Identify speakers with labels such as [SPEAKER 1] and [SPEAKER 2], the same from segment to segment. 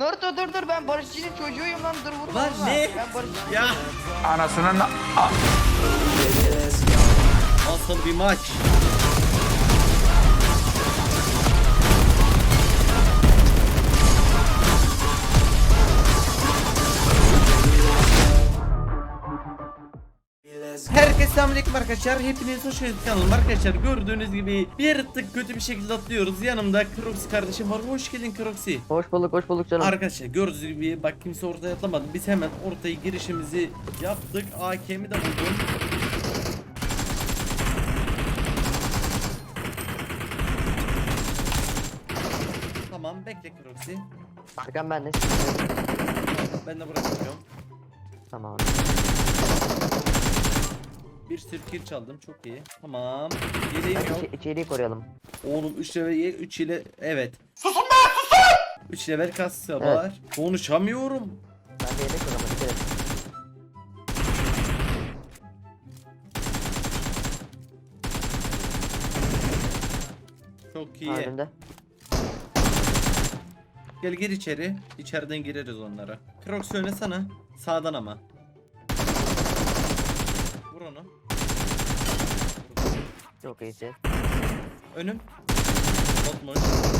[SPEAKER 1] Naruto dur ben Barışçı'nın çocuğuyum lan, dur vurma.
[SPEAKER 2] Lan
[SPEAKER 1] vurma.
[SPEAKER 2] ne?
[SPEAKER 1] Ben Barışçı'nın
[SPEAKER 2] Ya.
[SPEAKER 3] Anasının
[SPEAKER 2] Nasıl bir maç? Herkese selamünaleyküm arkadaşlar. Hepiniz hoş geldiniz kanalıma arkadaşlar. Gördüğünüz gibi bir tık kötü bir şekilde atlıyoruz. Yanımda Croxy kardeşim var. Hoş geldin Croxy.
[SPEAKER 4] Hoş bulduk canım.
[SPEAKER 2] Arkadaşlar gördüğünüz gibi bak kimse ortaya atlamadı. Biz hemen ortaya girişimizi yaptık. AK'mi de buldum. Tamam bekle Croxy.
[SPEAKER 4] Arkam bende.
[SPEAKER 2] Ben de bırakıyorum.
[SPEAKER 4] Tamam.
[SPEAKER 2] Bir sürü kill çaldım, çok iyi. Tamam. Yeleğim yok.
[SPEAKER 4] İçeriği koruyalım.
[SPEAKER 2] Oğlum 3 level 3 ile evet. Susun be susun. 3 level kassa var. Konuşamıyorum.
[SPEAKER 4] Ben de yedek koruyalım. Dikkat et.
[SPEAKER 2] Çok iyi.
[SPEAKER 4] Önümde.
[SPEAKER 2] Gel gir içeri. İçeriden gireriz onlara. Crocs oynasana. Sağdan ama. Vur onu.
[SPEAKER 4] Çok iyisi.
[SPEAKER 2] Önüm. Botmuş.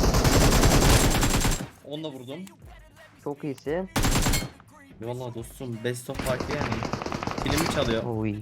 [SPEAKER 2] Onunla vurdum.
[SPEAKER 4] Çok iyisi.
[SPEAKER 2] Vallahi dostum best of fight yani. Kilimi çalıyor.
[SPEAKER 4] Oy.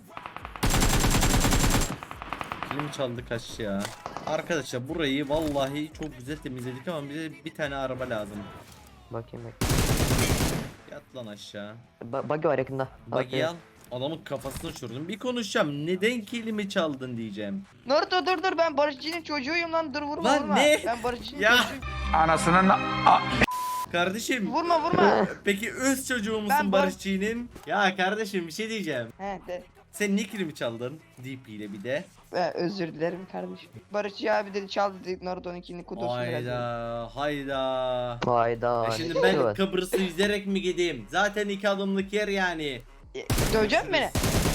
[SPEAKER 2] Kilimi çaldı kaç ya. Arkadaşlar burayı vallahi çok güzel temizledik ama bize bir tane araba lazım.
[SPEAKER 4] Bakayım.
[SPEAKER 2] Yat lan aşağı.
[SPEAKER 4] Buggy var yakında.
[SPEAKER 2] Bagi al. Adamın kafasını uçurdum. Bir konuşacağım. Neden kilimi çaldın diyeceğim.
[SPEAKER 1] Naruto dur ben Barışçı'nın çocuğuyum lan, dur vurma
[SPEAKER 2] Lan
[SPEAKER 1] vurma.
[SPEAKER 2] ne?
[SPEAKER 1] Ben Barışçı'nın
[SPEAKER 2] Ya.
[SPEAKER 1] çocuğuyum.
[SPEAKER 3] anasının
[SPEAKER 2] Kardeşim.
[SPEAKER 1] Vurma.
[SPEAKER 2] Peki öz çocuğu musun
[SPEAKER 1] Ben
[SPEAKER 2] Barışçı'nın? Ya kardeşim bir şey diyeceğim.
[SPEAKER 1] He de.
[SPEAKER 2] Sen niye kilimi çaldın? DP ile bir de.
[SPEAKER 1] Özür dilerim kardeşim. Barışçı abi dedi çaldı dedi Naruto'nunkini kutusunu biraz.
[SPEAKER 2] Hayda.
[SPEAKER 4] Hayda.
[SPEAKER 2] Ya şimdi
[SPEAKER 4] ne
[SPEAKER 2] ben
[SPEAKER 4] var?
[SPEAKER 2] Kıbrıs'ı yüzerek mi gideyim? Zaten 2 adımlık yer yani.
[SPEAKER 1] Dövecek beni.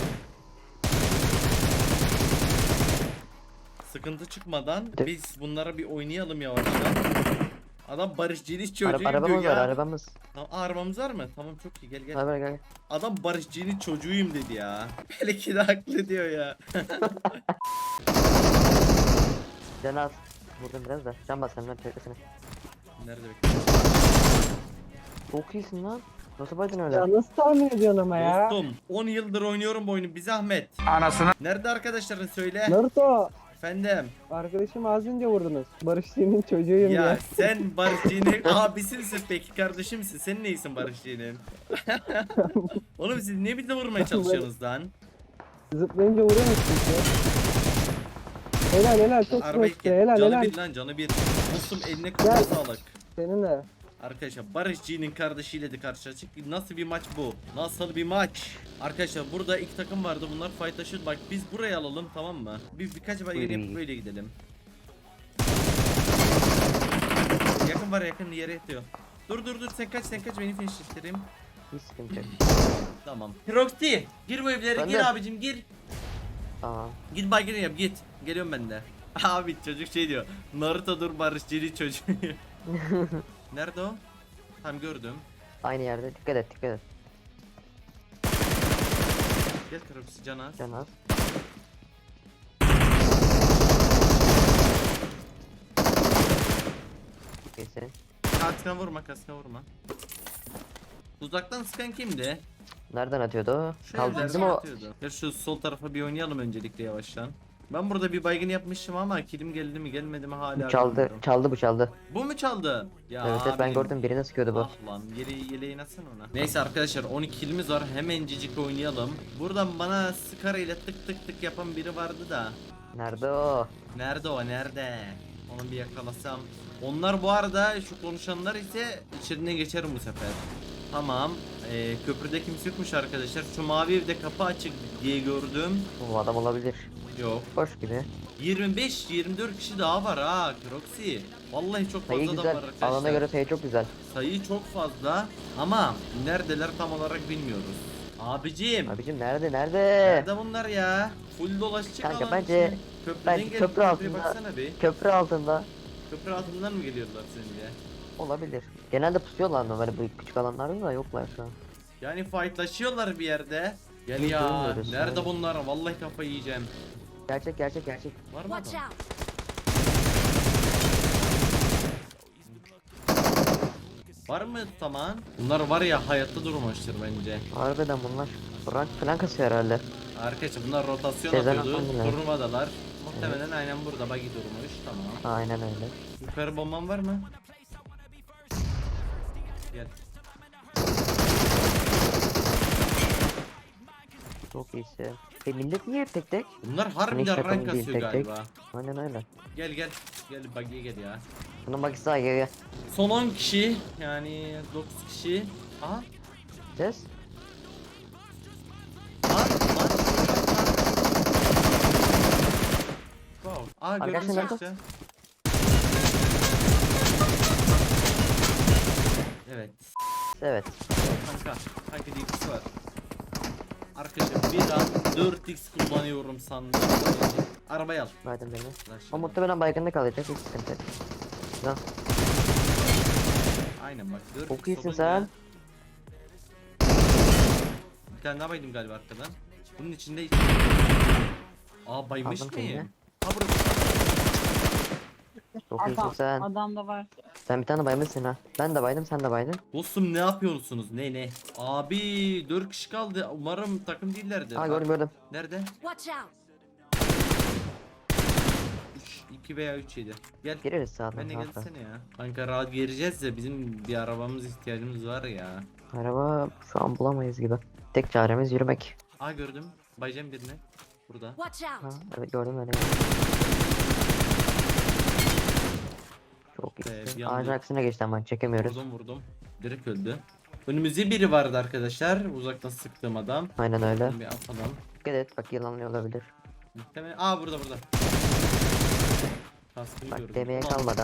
[SPEAKER 2] Sıkıntı çıkmadan biz bunlara bir oynayalım yavaştan. Adam Barışçı'nın çocuğu
[SPEAKER 4] Arabamız
[SPEAKER 2] diyor
[SPEAKER 4] var
[SPEAKER 2] ya.
[SPEAKER 4] arabamız.
[SPEAKER 2] Tamam, arabamız var mı? Tamam çok iyi gel.
[SPEAKER 4] Gel.
[SPEAKER 2] Adam Barışçı'nın çocuğuyum dedi ya. Belki de haklı diyor ya.
[SPEAKER 4] Can az. Vurdum biraz da. Can bas senden beklesene.
[SPEAKER 2] Nerede bekliyorsun?
[SPEAKER 4] Çok iyisin lan. Nasıl baydın öyle?
[SPEAKER 5] Ya nasıl tahmin ediyorsun ama ya?
[SPEAKER 2] Dostum 10 yıldır oynuyorum bu oyunu, bir zahmet.
[SPEAKER 3] anasının
[SPEAKER 2] Nerede arkadaşların söyle.
[SPEAKER 5] Naruto,
[SPEAKER 2] Efendim.
[SPEAKER 5] arkadaşım az önce vurdunuz. Barışçı'nın çocuğuyum
[SPEAKER 2] Ya
[SPEAKER 5] ya.
[SPEAKER 2] sen Barışçı'nın abisinsin peki, kardeşimsin. Sen neysin Barışçı'nın? Oğlum siz ne bize vurmaya çalışıyorsunuz lan?
[SPEAKER 5] Zıplayınca vuruyor musun ya? Helal çok
[SPEAKER 2] Araba
[SPEAKER 5] hoştu. Helal
[SPEAKER 2] canı bir lan, canı bir. Dostum eline koluna
[SPEAKER 5] Gel.
[SPEAKER 2] sağlık.
[SPEAKER 5] Senin de.
[SPEAKER 2] Arkadaşlar Barışçı'nın kardeşiyle de karşılaştık. Nasıl bir maç bu? Nasıl bir maç? Arkadaşlar burada iki takım vardı. Bunlar fightlaşıyor. Bak biz burayı alalım, tamam mı? Birkaç bayır yapıp böyle gidelim. Yakın var, yakın yere yatıyor. Dur sen kaç beni finishlettireyim.
[SPEAKER 4] Hiç sıkıntı yok.
[SPEAKER 2] Tamam. Proxy gir bu evlere,
[SPEAKER 4] Ben
[SPEAKER 2] gir
[SPEAKER 4] de.
[SPEAKER 2] abicim gir.
[SPEAKER 4] Tamam.
[SPEAKER 2] Git baygını yap git. Geliyorum ben de. Abi çocuk şey diyor. Naruto dur Barışçı'nın çocuğu. Nerede o? Tam gördüm.
[SPEAKER 4] Aynı yerde. Dikkat et.
[SPEAKER 2] Gel Proxy Canaz.
[SPEAKER 4] Can az. Çok iyisin.
[SPEAKER 2] Kaskına vurma. Uzaktan sıkan kimdi?
[SPEAKER 4] Nereden atıyordu o?
[SPEAKER 2] Şu
[SPEAKER 4] Kaldı
[SPEAKER 2] evlerden
[SPEAKER 4] bizim o.
[SPEAKER 2] atıyordu. Ya şu sol tarafa bir oynayalım öncelikle yavaştan. Ben burada bir baygın yapmışım ama kilim geldi mi gelmedi mi hala bilmiyorum.
[SPEAKER 4] Çaldı.
[SPEAKER 2] Bu mu çaldı? Ya
[SPEAKER 4] Evet ben
[SPEAKER 2] abicim.
[SPEAKER 4] gördüm birini sıkıyordu bu.
[SPEAKER 2] Ah lan yeleğin atsana ona. Neyse arkadaşlar 12 kilimiz var, hemencik oynayalım. Buradan bana skara ile tık tık yapan biri vardı da.
[SPEAKER 4] Nerede o?
[SPEAKER 2] Nerede o nerede? Onu bir yakalasam. Onlar bu arada şu konuşanlar ise içerinden geçerim bu sefer. Tamam. Köprüde kimse yokmuş arkadaşlar. Şu mavi evde kapı açık diye gördüm.
[SPEAKER 4] Bu adam olabilir.
[SPEAKER 2] Yok.
[SPEAKER 4] Boş gibi.
[SPEAKER 2] 25-24 kişi daha var ha Croxy. Vallahi çok fazla
[SPEAKER 4] Sayı
[SPEAKER 2] adam
[SPEAKER 4] güzel.
[SPEAKER 2] var arkadaşlar.
[SPEAKER 4] Alana göre sayı çok güzel.
[SPEAKER 2] Sayı çok fazla ama neredeler tam olarak bilmiyoruz. Abicim.
[SPEAKER 4] Abicim nerede?
[SPEAKER 2] Nerede bunlar ya? Full dolaşacak
[SPEAKER 4] Kanka,
[SPEAKER 2] alan
[SPEAKER 4] bence-
[SPEAKER 2] için. Köprüden
[SPEAKER 4] bence
[SPEAKER 2] gelip
[SPEAKER 4] köprü
[SPEAKER 2] köprüye
[SPEAKER 4] altında-
[SPEAKER 2] baksana bir.
[SPEAKER 4] Köprü altında
[SPEAKER 2] Köprü altından mı geliyorlar sence?
[SPEAKER 4] olabilir. Genelde pusuyorlar mı böyle bu küçük alanlarda da yoklar şu an.
[SPEAKER 2] Yani fightlaşıyorlar bir yerde. Gel
[SPEAKER 4] Biz
[SPEAKER 2] ya.
[SPEAKER 4] duymuyoruz
[SPEAKER 2] Nerede
[SPEAKER 4] yani.
[SPEAKER 2] bunlar? Vallahi kafayı yiyeceğim.
[SPEAKER 4] Gerçek.
[SPEAKER 2] Var mı
[SPEAKER 3] Watch
[SPEAKER 2] adam?
[SPEAKER 3] out!
[SPEAKER 2] Var mı tamam? Bunlar var ya hayatta durmamıştır bence.
[SPEAKER 4] Harbiden bunlar. Rank falan kasıyor herhalde.
[SPEAKER 2] Arkadaşlar bunlar rotasyon
[SPEAKER 4] Sezen
[SPEAKER 2] atıyordu.
[SPEAKER 4] Aksu'nun
[SPEAKER 2] Turnuvadalar. Muhtemelen aynen burada buggy durmuş. Tamam.
[SPEAKER 4] Aynen öyle.
[SPEAKER 2] Yukarı bomban var mı? Gel.
[SPEAKER 4] Çok iyisi. Millet niye tek tek?
[SPEAKER 2] Bunlar
[SPEAKER 4] Hiç
[SPEAKER 2] harbiden
[SPEAKER 4] takım
[SPEAKER 2] rank
[SPEAKER 4] değil,
[SPEAKER 2] kasıyor
[SPEAKER 4] tek tek.
[SPEAKER 2] galiba.
[SPEAKER 4] Aynen öyle.
[SPEAKER 2] Gel gel. Gel buggy'e gel ya.
[SPEAKER 4] Bunun bak sağa gel.
[SPEAKER 2] Son 10 kişi yani 9 kişi. Aha.
[SPEAKER 4] Ses.
[SPEAKER 2] Lan. Wow. Aa gördün
[SPEAKER 4] Arkadaşlar
[SPEAKER 2] mü
[SPEAKER 4] nerede?
[SPEAKER 2] işte? Evet.
[SPEAKER 4] Evet.
[SPEAKER 2] Kanka DX var. Arkadaşlar bir an 4x kullanıyorum sandım. Arabayı al.
[SPEAKER 4] Verdim beni.
[SPEAKER 2] Lan
[SPEAKER 4] O muhtemelen baygında kalacak. Hiç sıkıntı yok. Güzel.
[SPEAKER 2] Aynen bak 4x
[SPEAKER 4] Çok iyisin
[SPEAKER 2] olunca-
[SPEAKER 4] sen.
[SPEAKER 2] Bir tane daha baydım galiba arkadan. Bunun içinde baymış
[SPEAKER 4] Aldım
[SPEAKER 2] mıyım?
[SPEAKER 4] seni.
[SPEAKER 2] Ha burası.
[SPEAKER 4] Çok iyisin sen.
[SPEAKER 6] Adam da var.
[SPEAKER 4] Sen bir tane baymışsın ha. Ben de baydım, sen de baydın.
[SPEAKER 2] Dostum ne yapıyorsunuz? Ne? Abi 4 kişi kaldı. Umarım takım değillerdi.
[SPEAKER 4] Aa gördüm.
[SPEAKER 2] Nerede?
[SPEAKER 3] Watch out!
[SPEAKER 2] 2 veya 3 yedi. Gel.
[SPEAKER 4] Gireriz sağdan.
[SPEAKER 2] Ben de
[SPEAKER 4] rahat rahat.
[SPEAKER 2] gelsene ya. Kanka rahat gireceğiz de bizim bir arabamız ihtiyacımız var ya.
[SPEAKER 4] Araba şu an bulamayız gibi. Tek çaremiz yürümek.
[SPEAKER 2] Aa gördüm. Bayacağım birini. Burada.
[SPEAKER 3] Watch
[SPEAKER 4] Ha,
[SPEAKER 3] out!
[SPEAKER 4] evet gördüm öyle. Çok
[SPEAKER 2] bir
[SPEAKER 4] iyisin.
[SPEAKER 2] anda-
[SPEAKER 4] Ağacın aksine geçti ama çekemiyoruz.
[SPEAKER 2] Vurdum. Direkt öldü. Önümüzde biri vardı arkadaşlar. Uzaktan sıktığım adam.
[SPEAKER 4] Aynen öyle.
[SPEAKER 2] Bir atalım.
[SPEAKER 4] Dikkat et bak yılanlıyor olabilir.
[SPEAKER 2] Muhtemelen. Aa burada. Kaskını
[SPEAKER 4] Bak
[SPEAKER 2] gördüm.
[SPEAKER 4] demeye
[SPEAKER 2] Ulan,
[SPEAKER 4] kalmadan.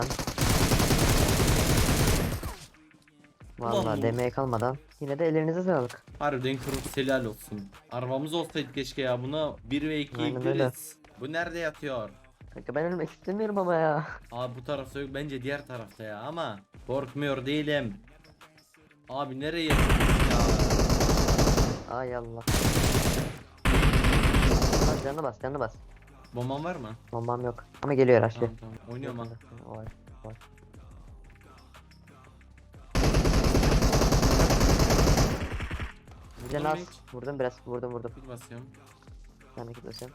[SPEAKER 2] Ulan
[SPEAKER 4] Vallahi
[SPEAKER 2] bu-
[SPEAKER 4] demeye kalmadan. Yine de ellerinize sağlık.
[SPEAKER 2] Harbiden kırık helal olsun. Arabamız olsaydı keşke ya. Buna 1 ve 2
[SPEAKER 4] Aynen öyle.
[SPEAKER 2] biliriz. Bu nerede yatıyor?
[SPEAKER 4] Kanka ben ölmek istemiyorum ama ya.
[SPEAKER 2] Abi bu tarafta yok. Bence diğer tarafta ya ama korkmuyor değilim. Abi nereye yatıyorsun ya?
[SPEAKER 4] Ay Allah. Bas canını bas.
[SPEAKER 2] Bomban var mı?
[SPEAKER 4] Bombam yok. Ama geliyor aşağı.
[SPEAKER 2] Tamam. Oynuyorum ha.
[SPEAKER 4] Var.
[SPEAKER 2] Vurdun
[SPEAKER 4] Can
[SPEAKER 2] mu
[SPEAKER 4] az.
[SPEAKER 2] hiç?
[SPEAKER 4] Vurdum biraz. Vurdum.
[SPEAKER 2] Bir basıyorum.
[SPEAKER 4] Ben de gitmesem.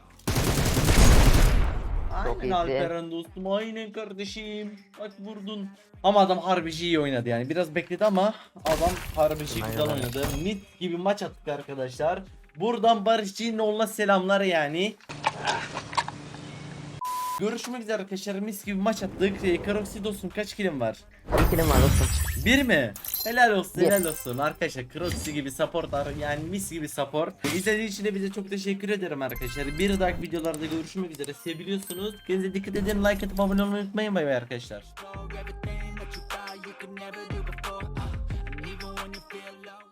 [SPEAKER 2] Aynen
[SPEAKER 4] iyisin.
[SPEAKER 2] Alperen dostum. Aynen kardeşim. Bak vurdun. Ama adam harbici iyi oynadı yani. Biraz bekledi ama adam harbici
[SPEAKER 4] Aynen
[SPEAKER 2] güzel
[SPEAKER 4] öyle.
[SPEAKER 2] oynadı. Mit gibi maç attık arkadaşlar. Buradan Barış Cinoğlu'na selamlar yani. Görüşmek üzere arkadaşlar. Mis gibi maç attık. Karoksi dostum kaç kilim var?
[SPEAKER 4] Bir kilim var dostum.
[SPEAKER 2] Bir mi? Helal olsun
[SPEAKER 4] Bir.
[SPEAKER 2] helal olsun arkadaşlar. Crossy gibi support yani mis gibi support. İzlediğiniz için de bize çok teşekkür ederim arkadaşlar. Bir dahaki videolarda görüşmek üzere. Seviliyorsunuz. Kendinize dikkat edin. Like atıp abone olmayı unutmayın. Bay bay arkadaşlar.
[SPEAKER 7] Everything that you thought you could never do before.